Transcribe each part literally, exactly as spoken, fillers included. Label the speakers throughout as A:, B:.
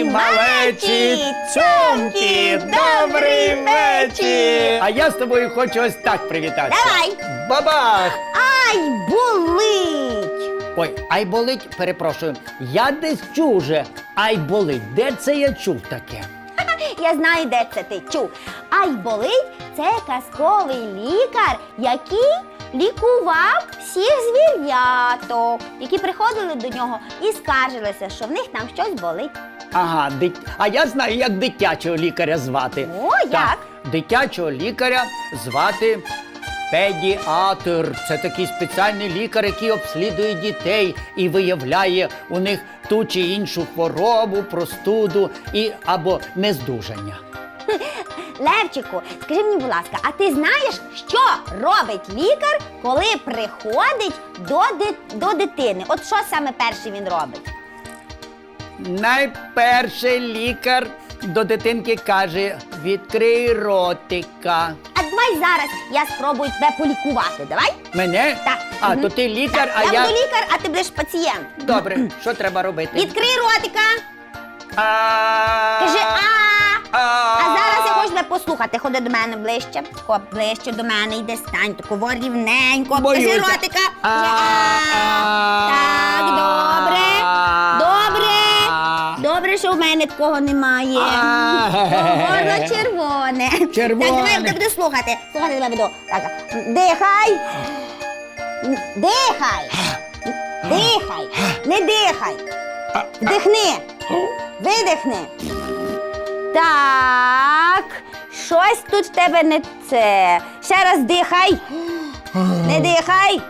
A: малечі, цьомкі, добрий вечір! А я з тобою хочу ось так привітатися.
B: Давай!
A: Бабах!
B: Ай, болить!
A: Ой, ай болить, перепрошую, я десь чув уже, ай болить, де це я чув таке?
B: Я знаю, де це ти чув. Ай болить – це казковий лікар, який лікував всіх звіряток, які приходили до нього і скаржилися, що в них там щось болить.
A: Ага, дит... а я знаю, як дитячого лікаря звати.
B: О,
A: Так,
B: як?
A: дитячого лікаря звати педіатр. Це такий спеціальний лікар, який обслідує дітей і виявляє у них ту чи іншу хворобу, простуду і або нездужання.
B: Левчику, скажи мені, будь ласка, а ти знаєш, що робить лікар, коли приходить до, ди... до дитини? От що саме перше він робить?
A: Найперше лікар до дитинки каже: відкрий ротика.
B: А давай зараз я спробую тебе полікувати, давай?
A: Мене?
B: Так.
A: А,
B: Мгм.
A: то ти лікар,
B: Так,
A: а
B: я
A: я...
B: буду лікар, а ти будеш пацієнт.
A: Добре, що треба робити?
B: Відкрий ротика,
A: А...
B: кажи а.
A: А...
B: А зараз я хочу тебе послухати. Ходи до мене ближче. Хоп, ближче до мене, йди стань, тако рівненько. Кажи
A: Боюся.
B: ротика.
A: А,
B: Кажи а. Так, добре. Добре. Добре, що в мене такого немає.
A: А.
B: Горло червоне.
A: Червоне.
B: Так, давай я буду слухати. Слухати тебе буду. Так, дихай. Дихай. Дихай. Не дихай. Вдихни. Видихни. Так, щось тут в тебе не це. Ще раз дихай. Не дихай.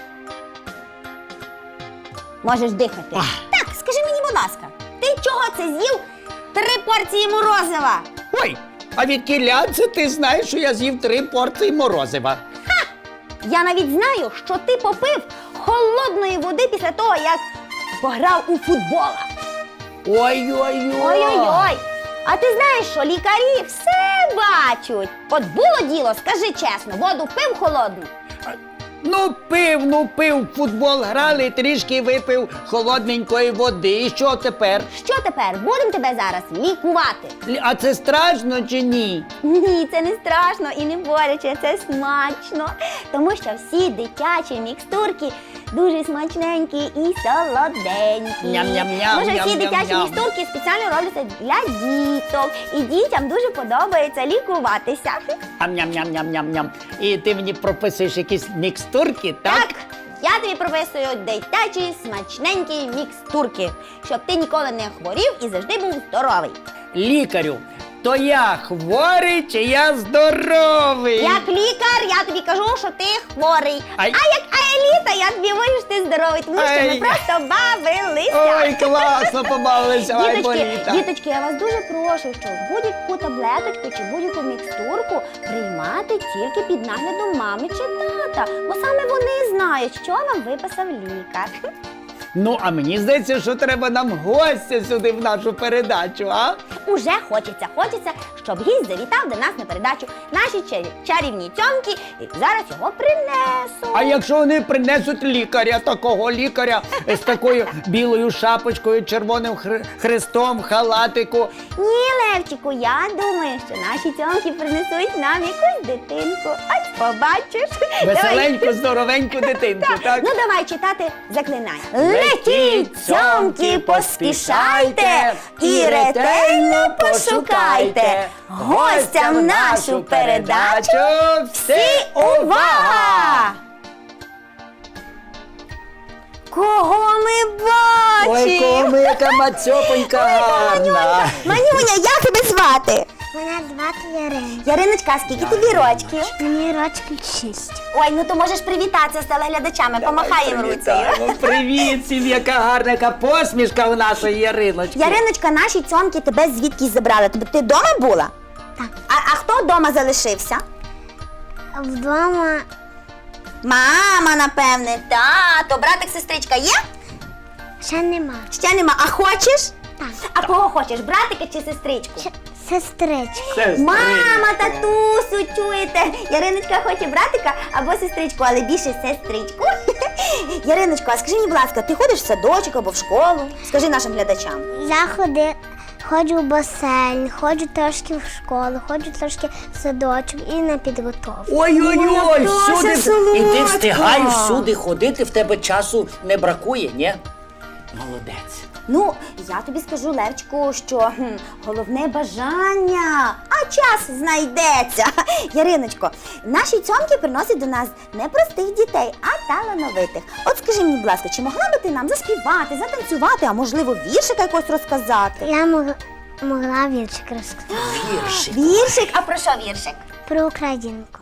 B: Можеш дихати. Так, скажи мені, будь ласка, ти чого це з'їв три порції морозива?
A: Ой, а від кіля це ти знаєш, що я з'їв три порції морозива?
B: Я навіть знаю, що ти попив холодної води після того, як пограв у футбола.
A: Ой-ой-ой.
B: Ой-ой-ой. А ти знаєш, що лікарі все бачать. От було діло, скажи чесно, воду пив холодну?
A: Ну пив, ну пив, в футбол грали, трішки випив холодненької води. І що тепер?
B: Що тепер? Будемо тебе зараз лікувати.
A: Лі- А це страшно чи ні?
B: Ні, це не страшно і не боляче, це смачно. Тому що всі дитячі мікстурки дуже смачненькі і солоденькі.
A: Ням-ням-ням,
B: Може, всі
A: ням-ням-ням.
B: дитячі мікстурки спеціально робляться для діток. І дітям дуже подобається лікуватися.
A: Ам-ням-ням-ням-ням-ням. І ти мені прописуєш якісь мікстурки, так?
B: Так, я тобі прописую дитячі смачненькі мікстурки, щоб ти ніколи не хворів і завжди був здоровий.
A: Лікарю, то я хворий чи я здоровий?
B: Як лікар, я тобі кажу, що ти хворий.
A: Ай.
B: А як аеліта, я тобі говорю, що ти здоровий, тому що
A: Ай.
B: ми просто бавилися.
A: Ой, класно побавилися, ай,
B: Діточки,
A: боліта.
B: діточки, я вас дуже прошу, що будь-яку таблеточку чи будь-яку мікстурку приймати тільки під наглядом мами чи тата, бо саме вони знають, що вам виписав лікар.
A: Ну, а мені здається, що треба нам гостя сюди в нашу передачу, а?
B: Уже хочеться, хочеться, щоб гість завітав до нас на передачу наші чарі- чарівні цьомки, і зараз його принесу.
A: А якщо вони принесуть лікаря, такого лікаря з такою білою шапочкою, червоним хр- хрестом, халатику.
B: Ні, Левчику, я думаю, що наші цьомки принесуть нам якусь дитинку. Ось побачиш.
A: Веселеньку, здоровеньку дитинку,
B: Так.
A: так?
B: Ну давай читати заклинання. Летіть, цьомки, поспішайте і ретельно пошукайте. Гостям в нашу передачу всі увага! Кого ми
A: Ой,
B: бачимо?
A: кому яка мацьопонька гарна.
B: Манюня, як тебе звати?
C: Мене звати Ярина.
B: Яриночка, скільки тобі рочків?
C: Мені рочки шість.
B: Ой, ну то можеш привітатися з телеглядачами, помахай їм руцею.
A: Привітаємо. Привіт всім, яка гарна, яка посмішка у нашої Яриночки.
B: Яриночка, наші цьомки тебе звідки забрали? Тобі ти вдома була?
C: Так.
B: А, а хто вдома залишився?
C: Вдома
B: Мама, напевне, тато, братик, сестричка є?
C: ще нема.
B: Ще нема. А хочеш?
C: Так.
B: А кого хочеш, братика чи сестричку?
C: Ще сестричка.
A: Сестричка.
B: Мама, татусю, чуєте? Яриночка хоче братика або сестричку, але більше сестричку. Яриночко, а скажи мені, будь ласка, ти ходиш в садочок або в школу? Скажи нашим глядачам.
C: Я ходи, Ходжу в басейн, ходжу трошки в школу, ходжу трошки в садочок і на підготовку.
A: Ой-ой-ой,
B: Моя
A: всюди.
B: Пташа
A: І ти
B: солодка.
A: встигаєш всюди ходити, в тебе часу не бракує, ні? Молодець.
B: Ну, я тобі скажу, Левчику, що хм, головне бажання, а час знайдеться. Яриночко, наші цьомки приносять до нас не простих дітей, а талановитих. От скажи мені, будь ласка, чи могла би ти нам заспівати, затанцювати, а можливо віршика якось розказати?
C: Я мог- могла віршик розказати
A: Віршик.
B: Віршик? А про що віршик?
C: про Українку.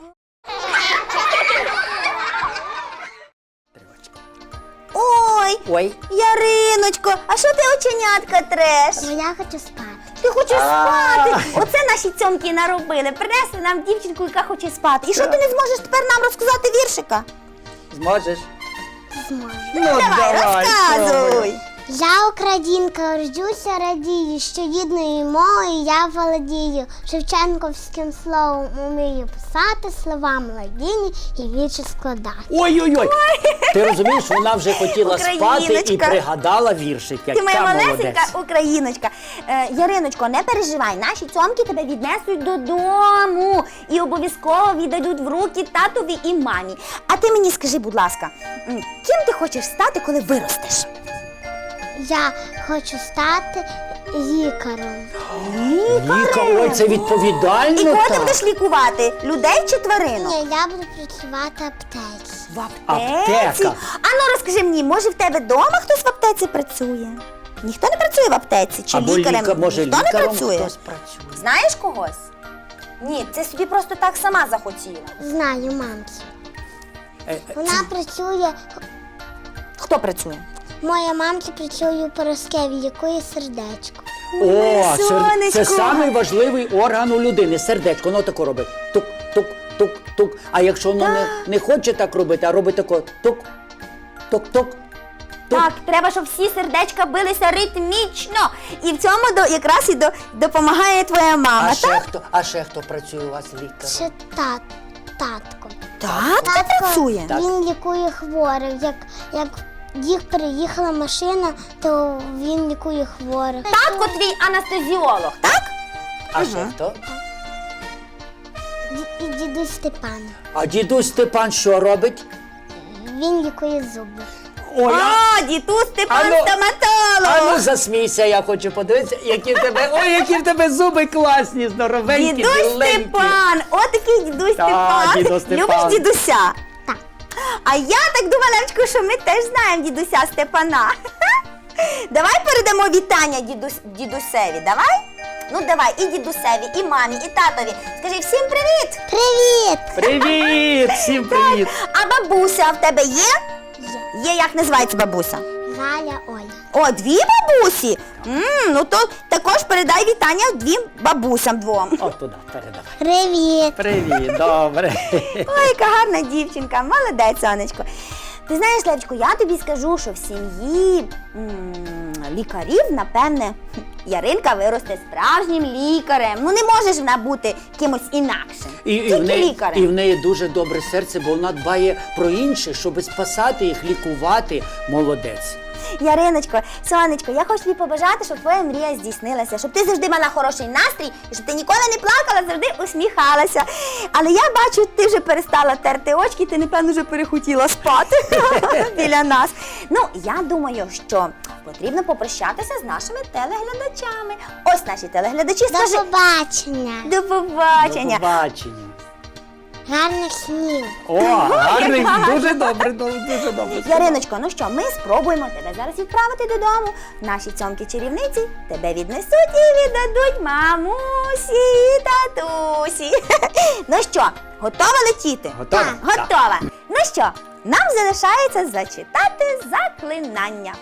B: Ой,
A: Ой.
B: Яриночко, а що ти оченятка треш?
C: Бо я хочу спати.
B: Ти хочеш
A: А.
B: спати? Оце наші цьомки наробили. Принесли нам дівчинку, яка хоче спати. І що ти не зможеш тепер нам розказати віршика?
A: Зможеш?
C: Зможу.
A: Ну,
B: Давай, розказуй.
C: Я українка, рождюся, радію, що рідною мовою я володію. Шевченковським словом умію писати, слова младіні і вірші складати.
A: Ой-ой-ой. Ти розумієш, вона вже хотіла спати і
B: Україночка.
A: пригадала віршик.
B: Ти моя
A: Яка
B: малесенька
A: молодець.
B: україночка. Е, Яриночко, не переживай, наші цьомки тебе віднесуть додому і обов'язково віддадуть в руки татові і мамі. А ти мені скажи, будь ласка, м, ким ти хочеш стати, коли виростеш?
C: Я хочу стати лікарем.
A: Віка, ой, це відповідально
B: І кого ти
A: так.
B: будеш лікувати? Людей чи тваринок?
C: Ні, я буду працювати в аптеці.
B: В аптеці?
A: Аптека.
B: А ну розкажи мені, може в тебе вдома хтось в аптеці працює? Ніхто не працює в аптеці? Чи
A: Або
B: лікарем?
A: ліка, може,
B: Ніхто не
A: лікарем
B: працює?
A: хтось працює.
B: Знаєш когось? Ні, це собі просто так сама захотіла.
C: Знаю мамцю.
A: Е, е,
C: Вона працює,
B: Хто працює?
C: моя мамця працює у Пороскеві, лікує сердечко.
A: О,
B: Ой,
A: сер-
B: сонечко.
A: це самий важливий орган у людини. Сердечко, воно тако робить. Тук, тук, тук, тук. А якщо воно не, не хоче так робити, а робить тако тук, тук, тук. Тук.
B: Так, треба, щоб всі сердечка билися ритмічно. І в цьому до, якраз і до, допомагає твоя мама,
A: А ще
B: так?
A: хто, а ще хто працює у вас лікарем?
C: Ще тат, татко.
B: Татко працює?
A: Так.
C: Він лікує хворих. Як, як їх приїхала машина, то він лікує хворих.
B: Татко твій анестезіолог, так?
A: А ще хто?
C: Ді- І дідусь Степан.
A: А дідусь Степан що робить?
C: Він лікує зуби.
A: Ой, а,
B: О, дідусь Степан
A: Ану,
B: стоматолог.
A: а ну засмійся, я хочу подивитися, які в тебе, ой, які в тебе зуби класні, здоровенькі,
B: Дідусь
A: біленькі.
B: Степан, от такий дідусь
A: Так,
B: Степан.
A: дідусь Степан.
B: Любиш дідуся?
C: Так.
B: А я так думала, Левчику, що ми теж знаємо дідуся Степана. Давай передамо вітання дідусь, дідусеві, давай? Ну давай, і дідусеві, і мамі, і татові. Скажи всім привіт!
C: Привіт!
A: Привіт, всім привіт.
B: А бабуся в тебе є?
C: Є.
B: Є, як називається бабуся?
C: Галя Оля.
B: О, дві бабусі? М, ну то також передай вітання двім бабусям двом.
A: О, туди, передай.
C: Привіт!
A: Привіт, добре.
B: Ой, яка гарна дівчинка, молодець, сонечко. Ти знаєш, Левчику, я тобі скажу, що в сім'ї м, лікарів, напевне, Яринка виросте справжнім лікарем. Ну не може ж вона бути кимось інакшим.
A: І, і,
B: Тільки
A: в неї,
B: лікарем.
A: і в неї дуже добре серце, бо вона дбає про інших, щоб спасати їх, лікувати. Молодець.
B: Яриночко, сонечко, я хочу тобі побажати, щоб твоя мрія здійснилася, щоб ти завжди мала хороший настрій і щоб ти ніколи не плакала, завжди усміхалася. Але я бачу, ти вже перестала терти очки, ти, напевно, вже перехотіла спати біля нас. Ну, я думаю, що потрібно попрощатися з нашими телеглядачами. Ось наші телеглядачі,
C: До
B: скажи
C: побачення!
B: до побачення.
A: До побачення.
C: Гарних снів!
A: О, гарний,
B: гарно.
A: дуже добре, дуже добре.
B: Яриночко, ну що, ми спробуємо тебе зараз відправити додому. Наші цьомки-чарівниці тебе віднесуть і віддадуть мамусі і татусі. Ну що, готова летіти?
A: Готова?
B: Так, готова. Ну що, нам залишається зачитати заклинання.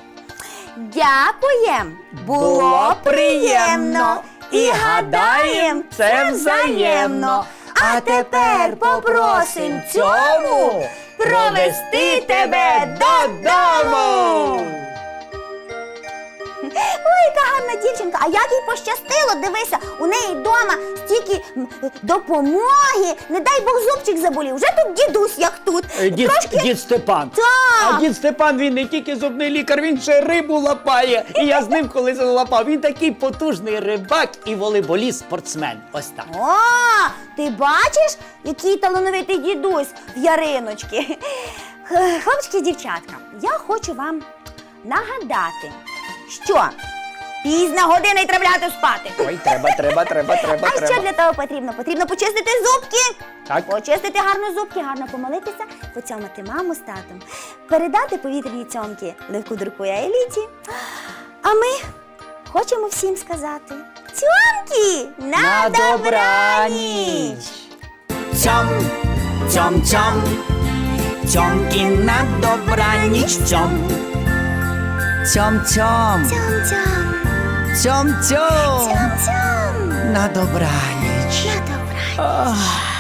B: Дякуєм, було приємно. І гадаєм, це взаємно. А тепер попросим цьому провести тебе додому. Ой, яка гарна дівчинка. дівчинка, а як їй пощастило, дивися, у неї вдома стільки м, допомоги. Не дай Бог зубчик заболів. Вже тут дідусь, як тут.
A: Е, Дід,
B: Трошки...
A: дід Степан.
B: Так.
A: А дід Степан, він не тільки зубний лікар, він ще рибу лапає. І я з ним колись лапав. Він такий потужний рибак і волейболіст, спортсмен. Ось так.
B: О, ти бачиш, який талановитий дідусь в Яриночки. Х- Хлопчики і дівчатка, я хочу вам нагадати, що пізна година і треба лягати спати.
A: Ой, треба, треба, треба, треба,
B: А що
A: треба.
B: для того потрібно? Потрібно почистити зубки.
A: Так.
B: Почистити гарно зубки, гарно помолитися, поцьомати маму з татом, передати повітряні цьомки Левку, Дурку і Еліті. А ми хочемо всім сказати цьомки на,
A: На
B: добраніч!
A: добраніч! Цьом, цьом, цьом, цьомки на добраніч, цьом. Цьом, цьом,
B: Цьом-цьом,
A: цьом, цьом,
B: цьом-цьом,
A: на добраніч.
B: на добраніч.
A: Ах.